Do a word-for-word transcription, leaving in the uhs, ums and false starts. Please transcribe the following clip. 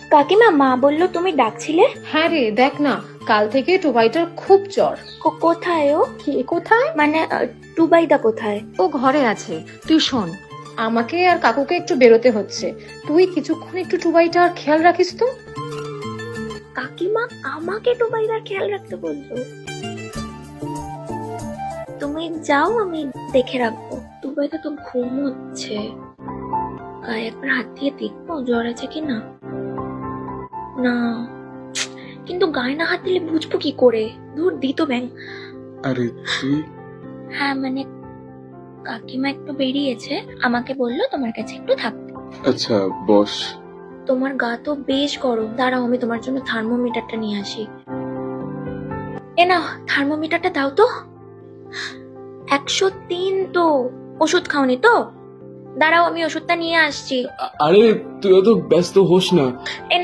কাকিমা, মা বললো তুমি ডাকছিলে। হ্যাঁ রে, দেখ না, কাল থেকে টুবাইটার খুব জ্বর। কো- কোথায় ও? কে কোথায়? মানে আহ, টুবাইদা কোথায়? ও ঘরে আছে। তুই শোন, আমাকে আর কাকুকে একটু বেরোতে হচ্ছে, তুই কিছুক্ষণ একটু টুবাইটার খেয়াল রাখিস তো। কাকিমা আমাকে টুবাইদার খেয়াল রাখতে বললো? তুমি যাও, আমি দেখে রাখবো। টুবাইদা তো ঘুম হচ্ছে, গায়ে একবার হাত দিয়ে দেখবো জ্বর আছে কিনা। না, কিন্তু গায়ে না হাত দিলে বুঝবো কি করে? ধুর দিত ব্যাং। আরে তুই? হ্যাঁ মানে কাকিমা একটু বেরিয়েছে, আমাকে বললো তোমার কাছে একটু থাকতে। আচ্ছা বস। তোমার গা তো বেশ গরম, দাঁড়াও আমি তোমার জন্য থার্মোমিটারটা নিয়ে আসি। এ নাও, থার্মোমিটারটা দাও তো। একশো তিন তো। ওষুধ খাওনি তো? দাঁড়াও আমি ওষুধটা নিয়ে আসছি। আ- আরে তুই অত ব্যস্ত হোস না।